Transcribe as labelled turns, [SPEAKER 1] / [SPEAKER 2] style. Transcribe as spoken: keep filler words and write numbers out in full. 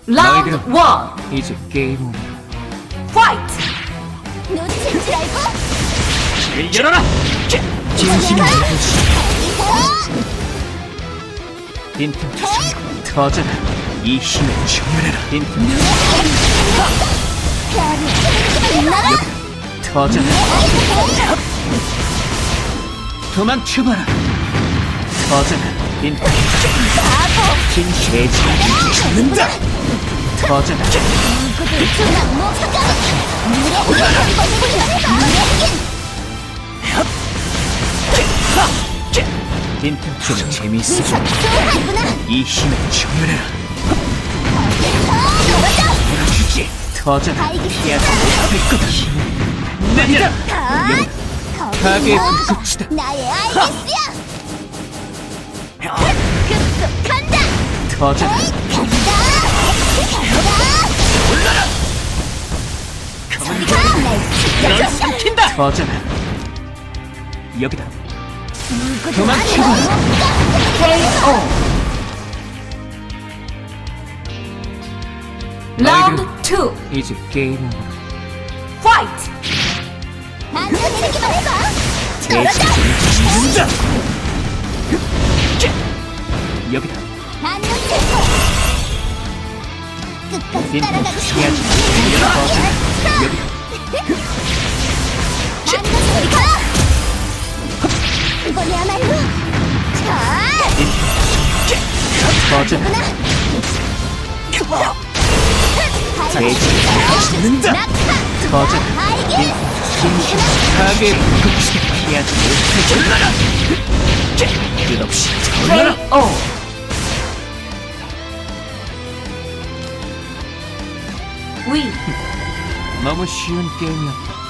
[SPEAKER 1] 라운드
[SPEAKER 2] 너희들은
[SPEAKER 1] 원
[SPEAKER 2] 이제 게임 오버.
[SPEAKER 1] 파이트!
[SPEAKER 3] 놓칠 줄 알고
[SPEAKER 2] 길을 열어라! 진심이 무엇이 빈틈 투성 터져라. 이 힘을 정렬해라. 빈틈
[SPEAKER 3] 빛나라
[SPEAKER 2] 터져라. 도망쳐봐라. 터져라. 빈틈 진실의 진을 죽는다. 터져라.
[SPEAKER 3] 누구도 못 찾아 물에 한번 물에
[SPEAKER 2] 빈틈 좀 재미있어.
[SPEAKER 3] 좋아하구나
[SPEAKER 2] 이 힘을 정렬해라.
[SPEAKER 3] 걸어줘
[SPEAKER 2] 보여주지. 터져라. 피하지 못할 거다. 내리라. 가게의 불꽃이다.
[SPEAKER 3] 나의 알겠어 급속 간다
[SPEAKER 2] 터져라.
[SPEAKER 3] 간다
[SPEAKER 2] 올라라.
[SPEAKER 3] 간다 날 지켜줘
[SPEAKER 2] 삼킨다. 터져라. 여기다.
[SPEAKER 3] 누구도
[SPEAKER 2] 도망쳐봐라.
[SPEAKER 1] 케이오 라운드 투
[SPEAKER 2] 이제 게임 오버.
[SPEAKER 1] 파이트!
[SPEAKER 3] 만져내기만 해봐
[SPEAKER 2] 대신
[SPEAKER 3] 떨어져
[SPEAKER 2] 죽는다. 여기다.
[SPEAKER 3] 안 놓칠 거야 끝까지
[SPEAKER 2] 빈틈
[SPEAKER 3] 따라가고 싶어
[SPEAKER 2] 피하지. 터져라. 여기다.
[SPEAKER 3] 안돼 가 이번이야말로 자
[SPEAKER 2] 터져라. 대신 죽는다.
[SPEAKER 3] 낙하
[SPEAKER 2] 터져라.
[SPEAKER 3] 알게
[SPEAKER 2] 진심 가게의 불꽃이 피하지 못할 줄 끝없이 터져라.
[SPEAKER 1] 케이오 위
[SPEAKER 2] 너무 쉬운 게임이었다.